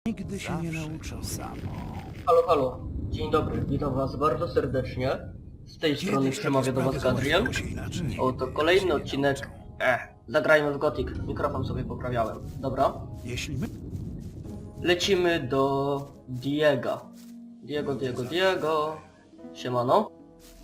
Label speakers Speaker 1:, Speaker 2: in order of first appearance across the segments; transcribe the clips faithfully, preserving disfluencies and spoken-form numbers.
Speaker 1: Nigdy się nie nauczą samo.
Speaker 2: Halo, halo. Dzień dobry, witam was bardzo serdecznie. Z tej strony
Speaker 1: Kiedyś
Speaker 2: przemawia do
Speaker 1: takie
Speaker 2: was
Speaker 1: sprawy
Speaker 2: Gadriel.
Speaker 1: załatwiało się inaczej.
Speaker 2: Oto kolejny odcinek. Eh, zagrajmy w Gothic. Mikrofon sobie poprawiałem. Dobra.
Speaker 1: Jeśli my...
Speaker 2: Lecimy do Diego. Diego, Diego, Diego. Siemano.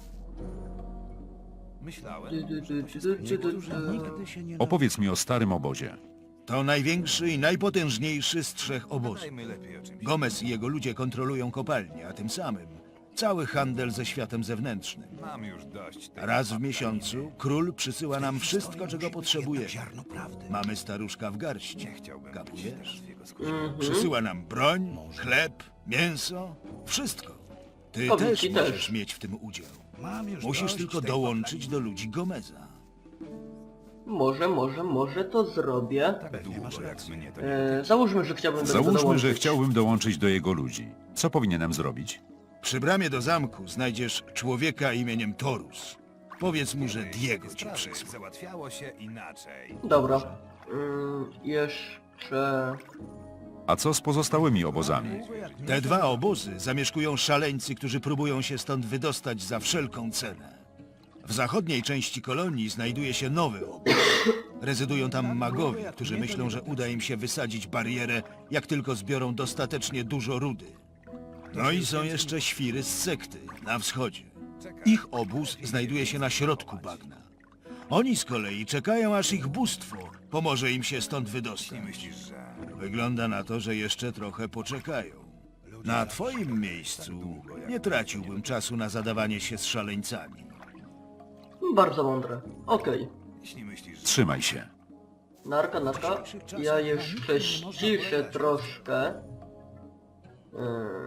Speaker 1: Myślałem,
Speaker 2: Du, du, du, du, du, du,
Speaker 1: niektórzy
Speaker 2: du.
Speaker 1: nigdy się nie
Speaker 3: Opowiedz mi o starym obozie.
Speaker 4: To największy i najpotężniejszy z trzech obozów. Gomez i jego ludzie kontrolują kopalnię, a tym samym cały handel ze światem zewnętrznym.
Speaker 5: Mam już dość tego.
Speaker 4: Raz w miesiącu król przysyła nam wszystko, czego potrzebujemy.
Speaker 1: ziarno prawdy.
Speaker 4: Mamy staruszka w garści.
Speaker 5: Nie chciałbym
Speaker 4: Kapujesz?
Speaker 5: być jego skórze.
Speaker 2: Mhm.
Speaker 4: Przysyła nam broń, chleb, mięso, wszystko. Ty
Speaker 2: Kobieci
Speaker 4: też
Speaker 2: też.
Speaker 4: możesz mieć w tym udział.
Speaker 1: Mam już
Speaker 4: Musisz
Speaker 1: dość
Speaker 4: tylko
Speaker 1: tej
Speaker 4: dołączyć do ludzi Gomeza.
Speaker 2: Może, może, może to zrobię.
Speaker 1: Pewnie masz
Speaker 5: Długo jak
Speaker 1: rację.
Speaker 5: mnie to nie...
Speaker 2: E, załóżmy, że chciałbym do tego
Speaker 3: Załóżmy,
Speaker 2: dołączyć.
Speaker 3: że chciałbym dołączyć do jego ludzi. Co powinienem zrobić?
Speaker 4: Przy bramie do zamku znajdziesz człowieka imieniem Torus. Powiedz mu, że Diego ci przysłał.
Speaker 5: Załatwiało się inaczej.
Speaker 2: Dobra. Mm, jeszcze...
Speaker 3: A co z pozostałymi obozami?
Speaker 4: Te dwa obozy zamieszkują szaleńcy, którzy próbują się stąd wydostać za wszelką cenę. W zachodniej części kolonii znajduje się nowy obóz. Rezydują tam magowie, którzy myślą, że uda im się wysadzić barierę, jak tylko zbiorą dostatecznie dużo rudy. No i są jeszcze świry z sekty na wschodzie. Ich obóz znajduje się na środku bagna. Oni z kolei czekają, aż ich bóstwo pomoże im się stąd wydostać.
Speaker 5: Myślisz, że...
Speaker 4: Wygląda na to, że jeszcze trochę poczekają. Na twoim miejscu nie traciłbym czasu na zadawanie się z szaleńcami.
Speaker 2: Bardzo mądre. Okej.
Speaker 5: Jeśli myślisz, że...
Speaker 3: Trzymaj się.
Speaker 2: Narka, narka. Ja jeszcze ściszę troszkę. Yy.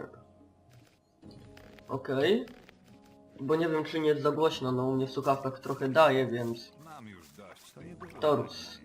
Speaker 2: Okej. Bo nie wiem, czy nie jest za głośno, no u mnie w słuchawkach trochę daje, więc...
Speaker 5: Mam już dość tego.
Speaker 2: Torus.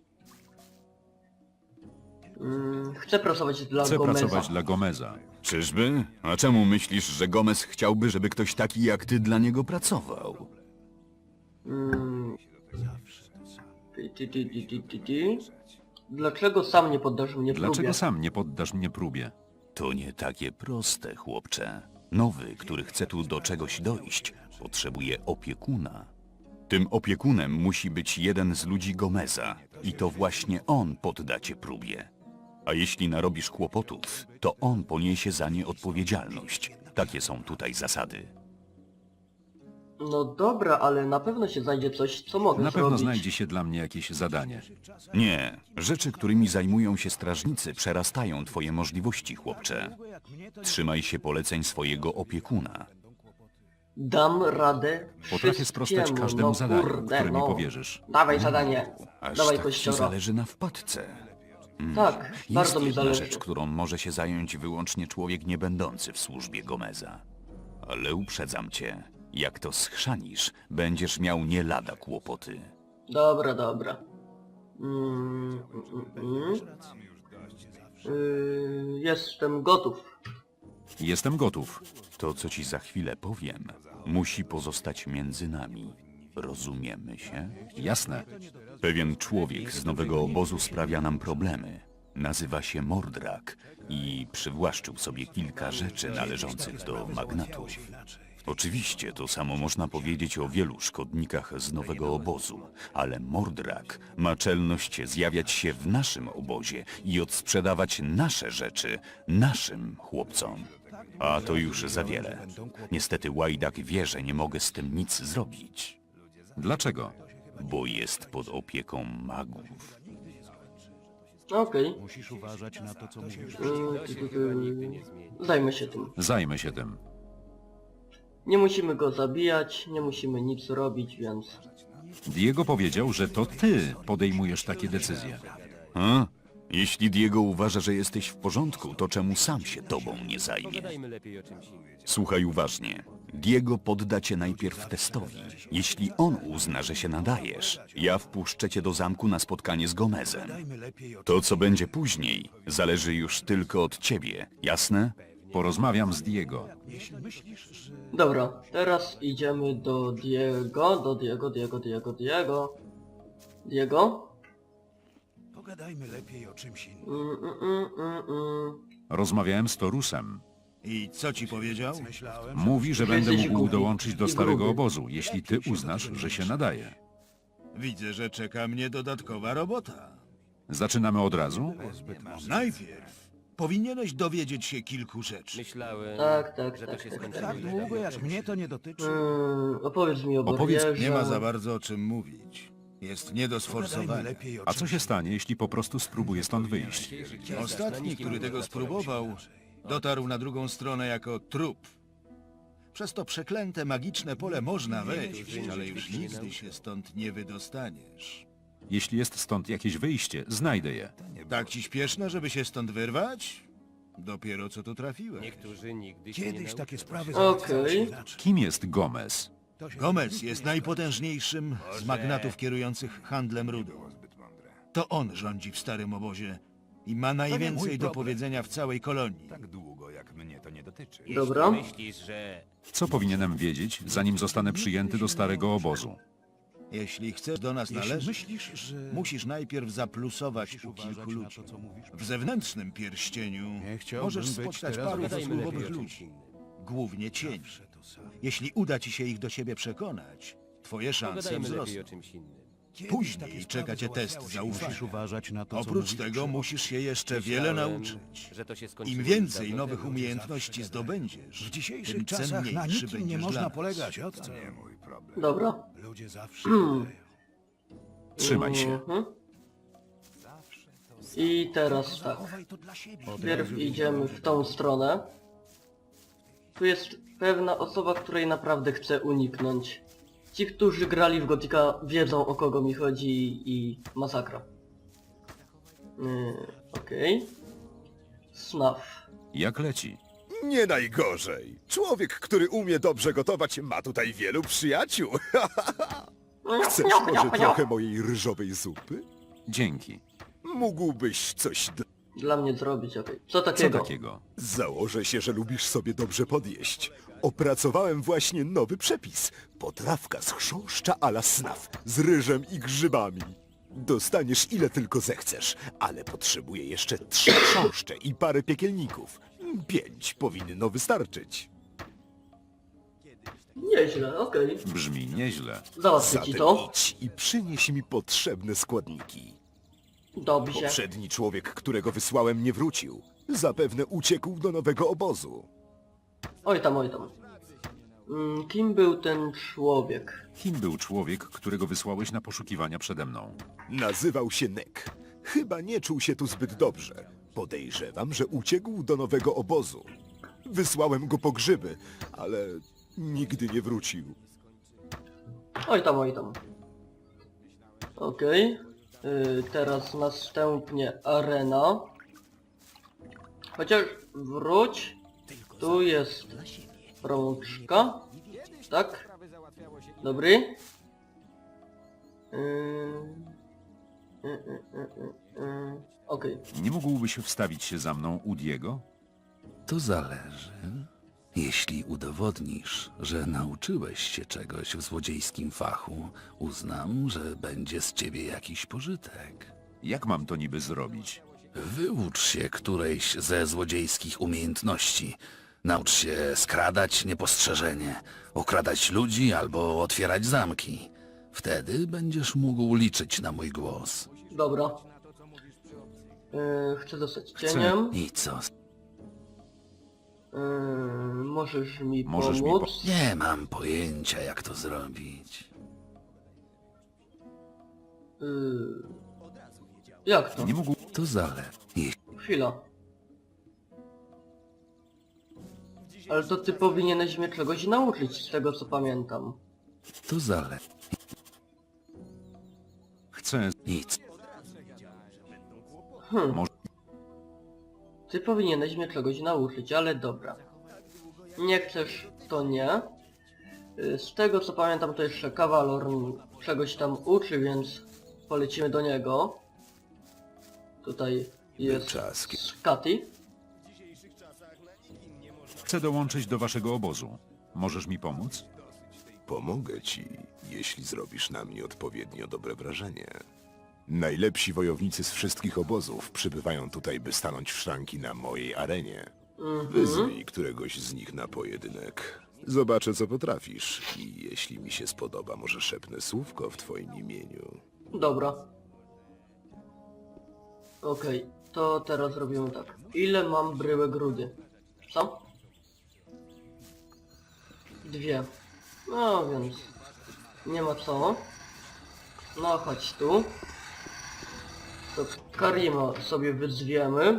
Speaker 2: Yy, chcę pracować dla
Speaker 3: Chcę
Speaker 2: Gomeza.
Speaker 3: pracować dla Gomeza.
Speaker 6: Czyżby? A czemu myślisz, że Gomez chciałby, żeby ktoś taki jak ty dla niego pracował?
Speaker 2: Mm. Ty, ty, ty, ty, ty, ty, ty. Dlaczego sam nie poddasz mnie próbie?
Speaker 3: Dlaczego sam nie poddasz mnie próbie?
Speaker 6: To nie takie proste, chłopcze. Nowy, który chce tu do czegoś dojść, potrzebuje opiekuna. Tym opiekunem musi być jeden z ludzi Gomeza i to właśnie on podda cię próbie. A jeśli narobisz kłopotów, to on poniesie za nie odpowiedzialność. Takie są tutaj zasady.
Speaker 2: No dobra, ale na pewno się znajdzie coś, co mogę
Speaker 3: Na pewno
Speaker 2: zrobić.
Speaker 3: znajdzie się dla mnie jakieś zadanie.
Speaker 6: Nie, rzeczy, którymi zajmują się strażnicy, przerastają twoje możliwości, chłopcze. Trzymaj się poleceń swojego opiekuna.
Speaker 2: Dam radę
Speaker 3: Potrafię sprostać
Speaker 2: wszystkiemu,
Speaker 3: każdemu
Speaker 2: no
Speaker 3: zadaniu,
Speaker 2: kurde,
Speaker 3: które mi
Speaker 2: no.
Speaker 3: powierzysz.
Speaker 2: Dawaj zadanie.
Speaker 6: Aż
Speaker 2: Dawaj
Speaker 6: tak ci
Speaker 2: kościora.
Speaker 6: zależy na wpadce.
Speaker 2: Tak,
Speaker 6: Jest
Speaker 2: bardzo mi
Speaker 6: jedna
Speaker 2: zależy.
Speaker 6: rzecz, którą może się zająć wyłącznie człowiek niebędący w służbie Gomeza. Ale uprzedzam cię, jak to schrzanisz, będziesz miał nie lada kłopoty.
Speaker 2: Dobra, dobra. Mm, mm, mm. Yy, jestem gotów.
Speaker 3: Jestem gotów.
Speaker 6: To, co ci za chwilę powiem, musi pozostać między nami. Rozumiemy się?
Speaker 3: Jasne.
Speaker 6: Pewien człowiek z nowego obozu sprawia nam problemy. Nazywa się Mordrak i przywłaszczył sobie kilka rzeczy należących do magnatów. Oczywiście to samo można powiedzieć o wielu szkodnikach z nowego obozu, ale Mordrak ma czelność zjawiać się w naszym obozie i odsprzedawać nasze rzeczy naszym chłopcom. A to już za wiele. Niestety Łajdak wie, że nie mogę z tym nic zrobić,
Speaker 3: Dlaczego?
Speaker 6: bo jest pod opieką magów.
Speaker 2: Okej.
Speaker 1: Musisz uważać na to, co mówisz.
Speaker 2: Yy, ty, ty, ty. Zajmę się tym.
Speaker 3: Zajmę się tym.
Speaker 2: Nie musimy go zabijać, nie musimy nic robić, więc...
Speaker 3: Diego powiedział, że to ty podejmujesz takie decyzje.
Speaker 6: A? Jeśli Diego uważa, że jesteś w porządku, to czemu sam się tobą nie zajmie? Słuchaj uważnie. Diego podda cię najpierw testowi. Jeśli on uzna, że się nadajesz, ja wpuszczę cię do zamku na spotkanie z Gomezem. To, co będzie później, zależy już tylko od ciebie, jasne?
Speaker 3: Porozmawiam z Diego.
Speaker 2: Dobra, teraz idziemy do Diego, do Diego, Diego, Diego, Diego. Diego?
Speaker 1: Pogadajmy lepiej o czymś innym.
Speaker 2: Mm, mm, mm, mm, mm.
Speaker 3: Rozmawiałem z Torusem.
Speaker 4: I co ci powiedział?
Speaker 3: Mówi, że
Speaker 2: Że
Speaker 3: będę
Speaker 2: jesteś
Speaker 3: mógł
Speaker 2: głupi
Speaker 3: dołączyć do
Speaker 2: i
Speaker 3: starego
Speaker 2: gruby.
Speaker 3: obozu, jeśli ty uznasz, że się nadaje.
Speaker 4: Widzę, że czeka mnie dodatkowa robota.
Speaker 3: Zaczynamy od razu?
Speaker 4: Najpierw powinieneś dowiedzieć się kilku rzeczy.
Speaker 7: Myślałem,
Speaker 2: Tak, tak,
Speaker 7: że
Speaker 2: tak,
Speaker 7: to się
Speaker 2: tak,
Speaker 7: skończy.
Speaker 1: Tak długo jak mnie to nie dotyczy.
Speaker 2: Mm, opowiedz mi o
Speaker 3: Opowiedz-
Speaker 2: Bowierze.
Speaker 4: Nie ma za bardzo o czym mówić. Jest nie do sforsowania.
Speaker 1: lepiej o
Speaker 3: A co
Speaker 1: czymś
Speaker 3: się stanie, jeśli po prostu spróbuję stąd wyjść?
Speaker 4: Ostatni, który tego spróbował, dotarł na drugą stronę jako trup. Przez to przeklęte magiczne pole można wejść, ale już nigdy się stąd nie wydostaniesz.
Speaker 3: Jeśli jest stąd jakieś wyjście, znajdę je.
Speaker 4: Tak ci śpieszno, żeby się stąd wyrwać? Dopiero co tu trafiłeś.
Speaker 7: Niektórzy nigdy się nie
Speaker 1: Kiedyś
Speaker 7: nauczą.
Speaker 1: takie sprawy
Speaker 2: Okej.
Speaker 1: załatwiały się inaczej.
Speaker 3: Kim jest Gomez?
Speaker 1: To się
Speaker 4: Gomez jest najpotężniejszym z magnatów kierujących handlem rudą. To on rządzi w starym obozie i ma najwięcej do powiedzenia w całej kolonii.
Speaker 5: Tak długo jak mnie to nie dotyczy.
Speaker 2: Dobra.
Speaker 7: Myślisz, że
Speaker 3: Co powinienem wiedzieć, zanim zostanę przyjęty do starego obozu?
Speaker 4: Jeśli chcesz do nas
Speaker 1: Jeśli
Speaker 4: należeć,
Speaker 1: myślisz, że
Speaker 4: musisz najpierw zaplusować
Speaker 1: musisz
Speaker 4: u
Speaker 1: uważać
Speaker 4: kilku
Speaker 1: na
Speaker 4: ludzi.
Speaker 1: to, co mówisz.
Speaker 4: W zewnętrznym pierścieniu
Speaker 1: Nie chciałbym
Speaker 4: możesz
Speaker 1: być
Speaker 4: spotkać
Speaker 1: teraz
Speaker 4: paru
Speaker 1: obecny.
Speaker 7: pogadajmy lepiej
Speaker 4: zasługowych
Speaker 7: o
Speaker 4: ludzi,
Speaker 7: czymś innym.
Speaker 4: głównie cieni.
Speaker 1: Zawsze to samo.
Speaker 4: Jeśli uda ci się ich do siebie przekonać, twoje szanse
Speaker 7: Pogadajmy lepiej o
Speaker 4: wzrosną.
Speaker 7: czymś innym.
Speaker 1: Kiedyś
Speaker 4: Później
Speaker 1: takie sprawy
Speaker 4: czeka cię test
Speaker 1: załatwiały się. Musisz
Speaker 4: zaufania.
Speaker 1: uważać na to, co
Speaker 4: Oprócz
Speaker 1: mówisz
Speaker 4: tego
Speaker 1: przy-
Speaker 4: musisz się jeszcze wiele
Speaker 7: Myślałem,
Speaker 4: nauczyć.
Speaker 7: że to się skończyło
Speaker 4: Im
Speaker 7: już
Speaker 4: więcej
Speaker 7: dawno
Speaker 4: nowych
Speaker 7: temu.
Speaker 4: umiejętności zdobędziesz,
Speaker 1: W dzisiejszych
Speaker 4: tym
Speaker 1: czasach na
Speaker 4: cenniejszy
Speaker 1: nikim nie
Speaker 4: będziesz
Speaker 1: można
Speaker 4: dla nas.
Speaker 1: polegać, od co?
Speaker 5: Nie mój problem.
Speaker 2: Dobra.
Speaker 1: Ludzie zawsze wydają.
Speaker 3: Trzymaj się.
Speaker 2: Mhm. I teraz tak.
Speaker 1: Zachowaj to dla siebie.
Speaker 2: Pierw idziemy w tą stronę. Tu jest pewna osoba, której naprawdę chcę uniknąć. Ci, którzy grali w Gotika, wiedzą, o kogo mi chodzi i masakra. Yy, Okej. Snaf.
Speaker 3: Jak leci?
Speaker 8: Nie najgorzej. Człowiek, który umie dobrze gotować, ma tutaj wielu przyjaciół. Chcesz może trochę mojej ryżowej zupy?
Speaker 3: Dzięki.
Speaker 8: Mógłbyś coś... D-
Speaker 2: Dla mnie zrobić, okej. Co
Speaker 3: Co
Speaker 2: takiego?
Speaker 3: takiego?
Speaker 8: Założę się, że lubisz sobie dobrze podjeść. Opracowałem właśnie nowy przepis. Potrawka z chrząszcza a la snaf, z ryżem i grzybami. Dostaniesz ile tylko zechcesz, ale potrzebuję jeszcze trzy chrząszcze i parę piekielników. Pięć powinno wystarczyć.
Speaker 2: Nieźle, okej.
Speaker 3: Brzmi nieźle.
Speaker 2: Załatwię ci
Speaker 8: Zatem
Speaker 2: to.
Speaker 8: idź i przynieś mi potrzebne składniki.
Speaker 2: Dobrze.
Speaker 8: Poprzedni człowiek, którego wysłałem, nie wrócił. Zapewne uciekł do nowego obozu.
Speaker 2: Oj tam, oj tam. Mm, kim był ten człowiek?
Speaker 3: Kim był człowiek, którego wysłałeś na poszukiwania przede mną?
Speaker 8: Nazywał się Nek. Chyba nie czuł się tu zbyt dobrze. Podejrzewam, że uciekł do nowego obozu. Wysłałem go po grzyby, ale nigdy nie wrócił.
Speaker 2: Oj tam, oj tam. Okej. Yy, teraz następnie arena. Chociaż wróć. Tu jest rączka. Tak? Dobry. Yy, yy, yy, yy, yy. Okej.
Speaker 3: Nie mógłbyś wstawić się za mną u Diego?
Speaker 9: To zależy. Jeśli udowodnisz, że nauczyłeś się czegoś w złodziejskim fachu, uznam, że będzie z ciebie jakiś pożytek.
Speaker 3: Jak mam to niby zrobić?
Speaker 9: Wyucz się którejś ze złodziejskich umiejętności. Naucz się skradać niepostrzeżenie, okradać ludzi albo otwierać zamki. Wtedy będziesz mógł liczyć na mój głos.
Speaker 2: Dobra. Yy, chcę dostać cieniem.
Speaker 9: I co?
Speaker 2: Yy, możesz mi
Speaker 3: Możesz mi
Speaker 2: pomóc?
Speaker 9: Nie mam pojęcia, jak to zrobić.
Speaker 2: Yy, jak to?
Speaker 3: Nie mógł...
Speaker 9: To zależy.
Speaker 2: Chwila. Ale to ty powinieneś mnie czegoś nauczyć, z tego co pamiętam.
Speaker 9: To zależy.
Speaker 3: Chcę...
Speaker 9: Nic.
Speaker 2: Hmm.
Speaker 3: Może-
Speaker 2: Ty powinieneś mnie czegoś nauczyć, ale dobra. Nie chcesz, to nie. Y, Z tego co pamiętam, to jeszcze Kawalor czegoś tam uczy, więc polecimy do niego. Tutaj jest
Speaker 8: Wyczaski.
Speaker 2: Skati.
Speaker 3: Chcę dołączyć do waszego obozu. Możesz mi pomóc?
Speaker 8: Pomogę ci, jeśli zrobisz na mnie odpowiednio dobre wrażenie. Najlepsi wojownicy z wszystkich obozów przybywają tutaj, by stanąć w szranki na mojej arenie. Wyzwij któregoś z nich na pojedynek. Zobaczę, co potrafisz i jeśli mi się spodoba, może szepnę słówko w twoim imieniu.
Speaker 2: Dobra. Okej, to teraz robimy tak. Ile mam bryłek rudy? Co? Dwie. No więc... Nie ma co. No chodź tu. To Karima sobie wyzwiemy.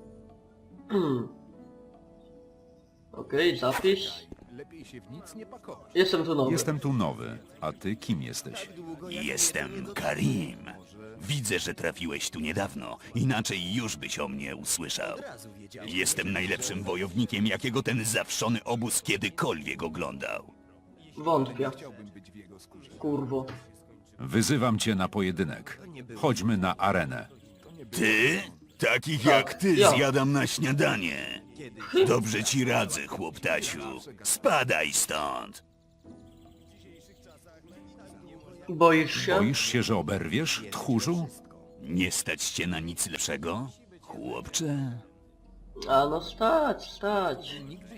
Speaker 2: Okej, zapis. Jestem tu nowy.
Speaker 3: Jestem tu nowy, a ty kim jesteś?
Speaker 6: Jestem Karim. Widzę, że trafiłeś tu niedawno, inaczej już byś o mnie usłyszał. Jestem najlepszym wojownikiem, jakiego ten zawszony obóz kiedykolwiek oglądał.
Speaker 2: Wątpię. Kurwo.
Speaker 3: Wyzywam cię na pojedynek. Chodźmy na arenę.
Speaker 6: Ty? Takich jak ty
Speaker 2: ja.
Speaker 6: zjadam na śniadanie. Dobrze ci radzę, chłoptasiu. Spadaj stąd.
Speaker 2: Boisz się?
Speaker 3: Boisz się, że oberwiesz, tchórzu?
Speaker 6: Nie stać cię na nic lepszego, chłopcze?
Speaker 2: A no stać, stać.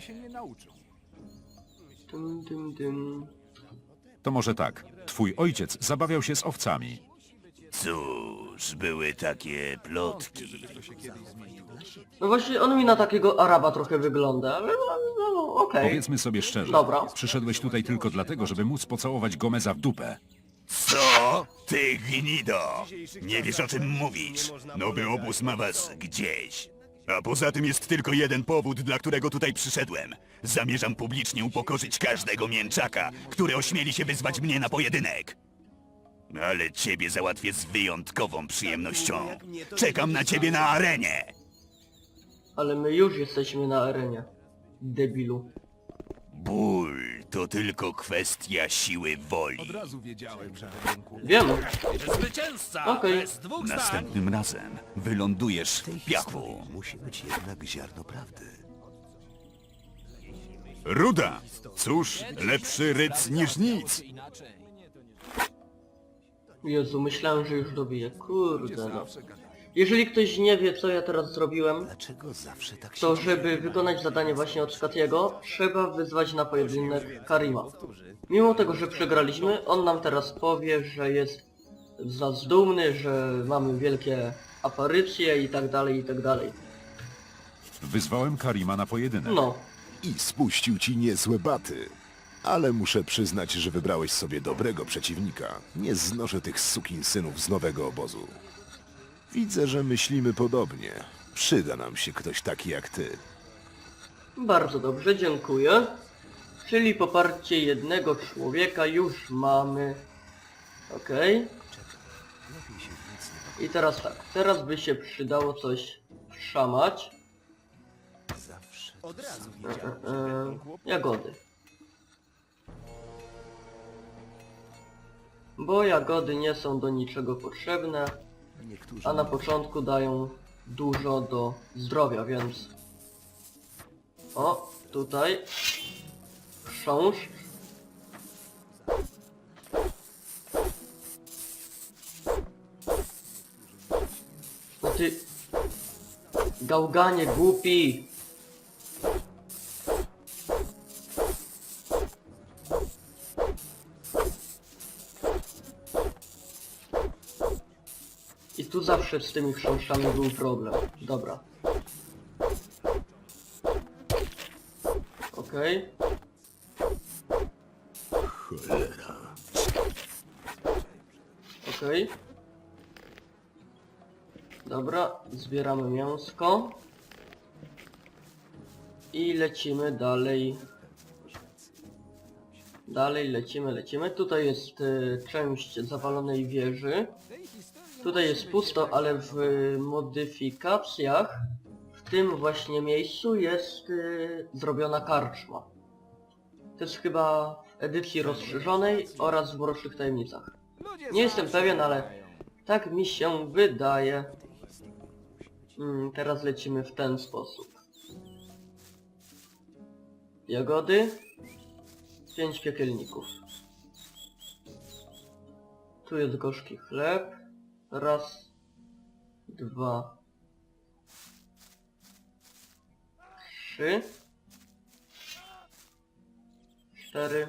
Speaker 2: Dym, dym, dym.
Speaker 3: To może tak. Twój ojciec zabawiał się z owcami.
Speaker 6: Cóż, były takie plotki.
Speaker 2: No właśnie on mi na takiego Araba trochę wygląda, ale no, no, no okej.
Speaker 3: Powiedzmy sobie szczerze.
Speaker 2: Dobra.
Speaker 3: Przyszedłeś tutaj tylko dlatego, żeby móc pocałować Gomeza w dupę.
Speaker 6: Co? Ty gnido! Nie wiesz, o czym mówisz. Nowy obóz ma was gdzieś. A poza tym jest tylko jeden powód, dla którego tutaj przyszedłem. Zamierzam publicznie upokorzyć każdego mięczaka, który ośmieli się wyzwać mnie na pojedynek. Ale ciebie załatwię z wyjątkową przyjemnością. Czekam na ciebie na arenie.
Speaker 2: Ale my już jesteśmy na arenie. Debilu.
Speaker 6: Ból to tylko kwestia siły woli.
Speaker 2: Wiem.
Speaker 7: Zwycięzca!
Speaker 2: Okej.
Speaker 7: Bez dwóch zdań!
Speaker 6: Następnym razem wylądujesz w piachu.
Speaker 1: Musi być jednak ziarno prawdy.
Speaker 6: Ruda! Cóż, lepszy ryc niż nic.
Speaker 2: Jezu, myślałem, że już dobiję. Kurde no. Jeżeli ktoś nie wie, co ja teraz zrobiłem,
Speaker 1: Dlaczego zawsze tak się
Speaker 2: to
Speaker 1: dzieje?
Speaker 2: żeby wykonać zadanie właśnie od Skatiego, trzeba wyzwać na pojedynek Karima. Mimo tego, że przegraliśmy, on nam teraz powie, że jest zazdumny, że mamy wielkie aparycje i tak dalej, i tak dalej.
Speaker 3: Wyzwałem Karima na pojedynek.
Speaker 2: No,
Speaker 8: I spuścił ci niezłe baty. Ale muszę przyznać, że wybrałeś sobie dobrego przeciwnika. Nie znoszę tych sukinsynów z nowego obozu. Widzę, że myślimy podobnie. Przyda nam się ktoś taki jak ty.
Speaker 2: bardzo dobrze, dziękuję. Czyli poparcie jednego człowieka już mamy. Okej. I teraz tak, teraz by się przydało coś szamać. E, e, e, jagody. Bo jagody nie są do niczego potrzebne, a na początku dają dużo do zdrowia, więc... O, tutaj... Chrząszcz. No ty... Gałganie głupi! I tu zawsze z tymi chrząszczami był problem. Dobra. Okej.
Speaker 8: Cholera.
Speaker 2: Okej. Dobra, zbieramy mięsko. I lecimy dalej. Dalej lecimy, lecimy. Tutaj jest y, część zawalonej wieży. Tutaj jest pusto, ale w modyfikacjach w tym właśnie miejscu jest y, zrobiona karczma. To jest chyba w edycji rozszerzonej oraz w Mrocznych Tajemnicach. Nie jestem pewien, ale tak mi się wydaje. Mm, teraz lecimy w ten sposób. Jagody. Pięć piekielników. Tu jest gorzki chleb. Raz, dwa, trzy, cztery,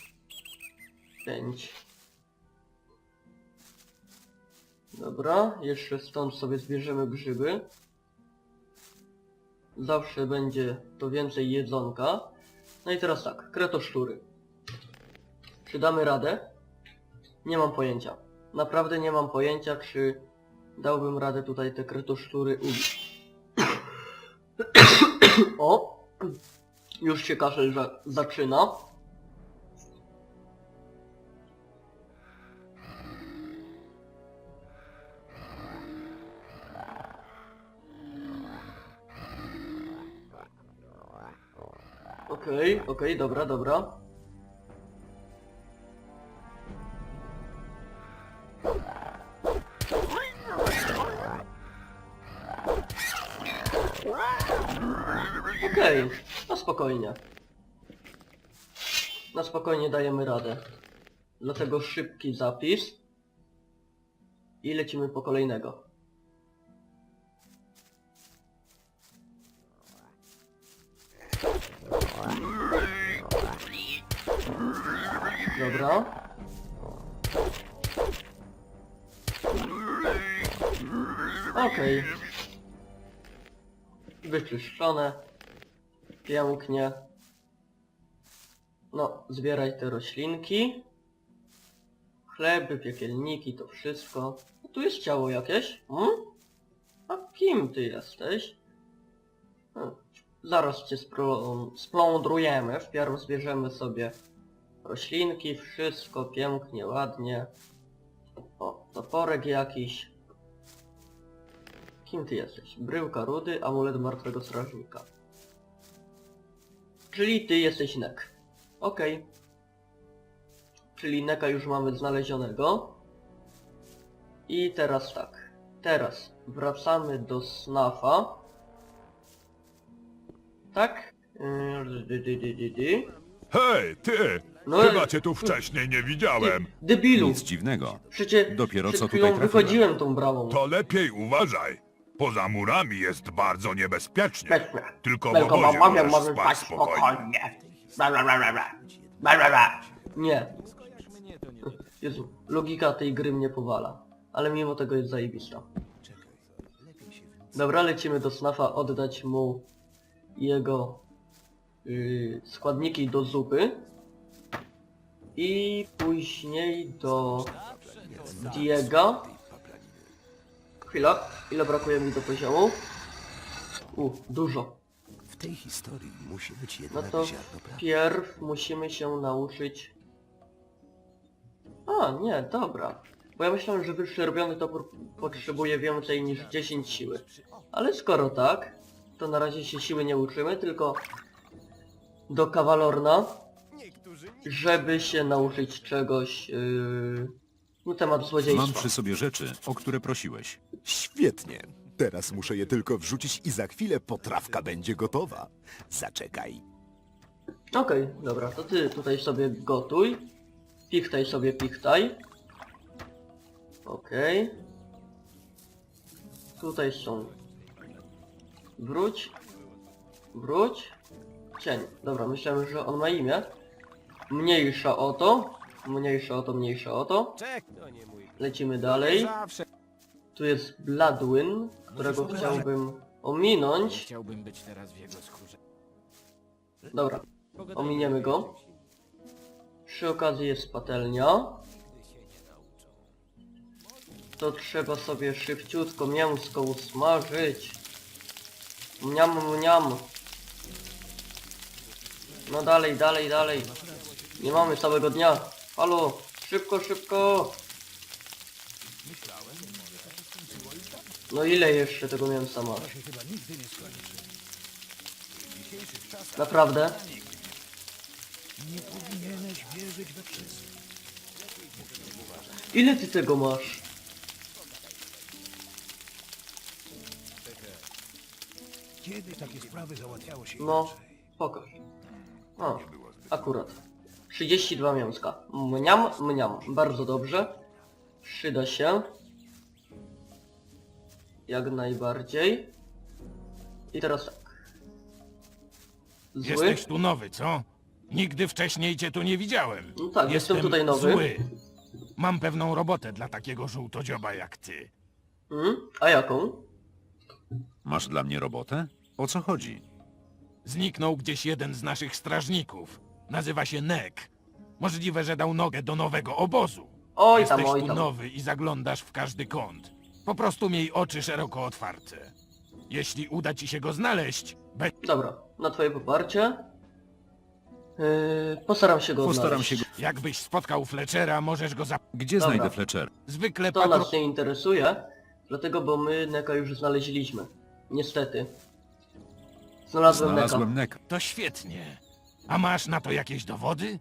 Speaker 2: pięć. Dobra, jeszcze stąd sobie zbierzemy grzyby. Zawsze będzie to więcej jedzonka. No i teraz tak, kretoszczury. Czy damy radę? Nie mam pojęcia. Naprawdę nie mam pojęcia, czy dałbym radę tutaj te kretoszczury ubić. O! Już się kaszel za zaczyna. Okej, okay, okej, okay, dobra, dobra. Okej, okay, na spokojnie. Na spokojnie dajemy radę. Dlatego szybki zapis. I lecimy po kolejnego. Dobra. Okej. Okay. Wyczyszczone. Pięknie. No, zbieraj te roślinki. Chleby, piekielniki, to wszystko. No, tu jest ciało jakieś. Hmm? A kim ty jesteś? Hmm. Zaraz cię splądrujemy. Wpierw zbierzemy sobie roślinki, wszystko pięknie, ładnie. O, toporek jakiś. Kim ty jesteś? Bryłka rudy, amulet martwego strażnika. Czyli ty jesteś Nek. Okej. Okay. Czyli Neka już mamy znalezionego. I teraz tak. Teraz wracamy do Snafa. Tak?
Speaker 10: Hej, ty!
Speaker 2: No,
Speaker 10: Chyba cię tu wcześniej nie widziałem.
Speaker 2: Debilu!
Speaker 3: Nic dziwnego.
Speaker 2: Przecież
Speaker 3: Dopiero
Speaker 2: przed
Speaker 3: co
Speaker 2: chwilą
Speaker 3: tutaj trafiłem.
Speaker 2: wychodziłem tą bramą.
Speaker 10: To lepiej uważaj. Poza murami jest bardzo niebezpiecznie.
Speaker 2: Pewnie.
Speaker 10: Tylko w
Speaker 2: Tylko
Speaker 10: obozie
Speaker 2: mogę,
Speaker 10: możesz
Speaker 2: mogę
Speaker 10: spać
Speaker 2: spać
Speaker 10: spokojnie.
Speaker 2: spokojnie. Bla, bla, bla, bla, bla. Bla, bla, bla. Nie. Jezu, logika tej gry mnie powala. Ale mimo tego jest zajebista. Dobra, lecimy do Snafa oddać mu jego yy, składniki do zupy. I później do Diego. Chwila, ile brakuje mi do poziomu? U, dużo.
Speaker 1: W tej historii musi być
Speaker 2: No
Speaker 1: jednak
Speaker 2: to
Speaker 1: ziarno prawdy.
Speaker 2: pierw musimy się nauczyć... A, nie, dobra. Bo ja myślałem, że wyższy robiony topór potrzebuje więcej niż dziesięć siły. Ale skoro tak, to na razie się siły nie uczymy, tylko do Kawalorna, żeby się nauczyć czegoś yy, na temat złodziejstwa.
Speaker 3: Mam przy sobie rzeczy, o które prosiłeś.
Speaker 8: Świetnie. Teraz muszę je tylko wrzucić i za chwilę potrawka będzie gotowa. Zaczekaj.
Speaker 2: Okej, okay, dobra, to ty tutaj sobie gotuj. Pichtaj sobie, pichtaj. Okej. Okay. Tutaj są... Wróć. Wróć. Cień. Dobra, myślałem, że on ma imię. Mniejsza o to. Mniejsza o to, mniejsza o to.
Speaker 7: Czek, to nie mój.
Speaker 2: Lecimy dalej.
Speaker 7: Zawsze
Speaker 2: Tu jest Bloodwyn, którego chciałbym ominąć.
Speaker 7: chciałbym być teraz w jego skórze.
Speaker 2: Dobra, ominiemy go. Przy okazji jest patelnia. To trzeba sobie szybciutko mięsko usmażyć. Mniam, mniam. No dalej, dalej, dalej. Nie mamy całego dnia. Halo, szybko, szybko. No ile jeszcze tego mięsa masz? Naprawdę? Ile ty tego masz? No, pokaż. O, akurat. trzydzieści dwa mięska. Mniam, mniam. Bardzo dobrze. Przyda się. Jak najbardziej. I teraz tak. Zły?
Speaker 10: Jesteś tu nowy, co? Nigdy wcześniej cię tu nie widziałem.
Speaker 2: No tak, jestem tutaj nowy.
Speaker 10: Zły. Mam pewną robotę dla takiego żółtodzioba jak ty.
Speaker 2: Hmm? A jaką?
Speaker 3: Masz dla mnie robotę? O co chodzi?
Speaker 10: Zniknął gdzieś jeden z naszych strażników. Nazywa się Nek. Możliwe, że dał nogę do nowego obozu.
Speaker 2: Oj
Speaker 10: Jesteś
Speaker 2: tam, oj
Speaker 10: tu
Speaker 2: tam.
Speaker 10: nowy i zaglądasz w każdy kąt. Po prostu miej oczy szeroko otwarte. Jeśli uda ci się go znaleźć, be...
Speaker 2: Dobra, na twoje poparcie. Yy, postaram się go
Speaker 3: Postaram
Speaker 2: odnaleźć.
Speaker 3: się go...
Speaker 10: jakbyś spotkał Fletchera, możesz go za...
Speaker 3: Gdzie
Speaker 2: Dobra.
Speaker 3: znajdę Fletcher?
Speaker 10: Zwykle
Speaker 2: To
Speaker 10: patro...
Speaker 2: nas nie interesuje, dlatego bo my Neka już znaleźliśmy. Niestety. Znalazłem,
Speaker 3: Znalazłem
Speaker 2: Neka.
Speaker 3: Nek.
Speaker 10: To świetnie. A masz na to jakieś dowody?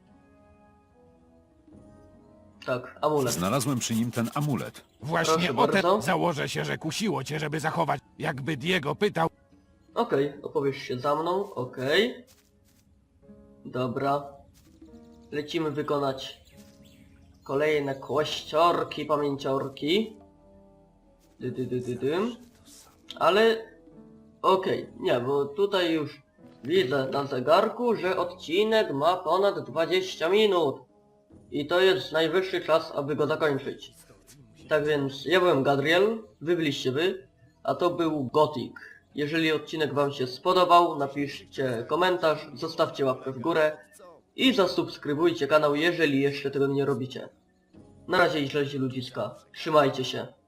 Speaker 2: Tak, amulet.
Speaker 3: Znalazłem przy nim ten amulet.
Speaker 10: Właśnie
Speaker 2: Proszę
Speaker 10: o
Speaker 2: bardzo.
Speaker 10: te założę się, że kusiło cię, żeby zachować. Jakby Diego pytał,
Speaker 2: Okej, opowiesz się za mną, okej. Dobra. Lecimy wykonać kolejne kościorki, pamięciorki. Dy, dy, dy, dy, dym. Ale... Okej, nie, bo tutaj już widzę na zegarku, że odcinek ma ponad dwadzieścia minut. I to jest najwyższy czas, aby go zakończyć. Tak więc ja byłem Gadriel, wy byliście wy, a to był Gothic. Jeżeli odcinek wam się spodobał, napiszcie komentarz, zostawcie łapkę w górę i zasubskrybujcie kanał, jeżeli jeszcze tego nie robicie. Na razie i źle ludziska. Trzymajcie się.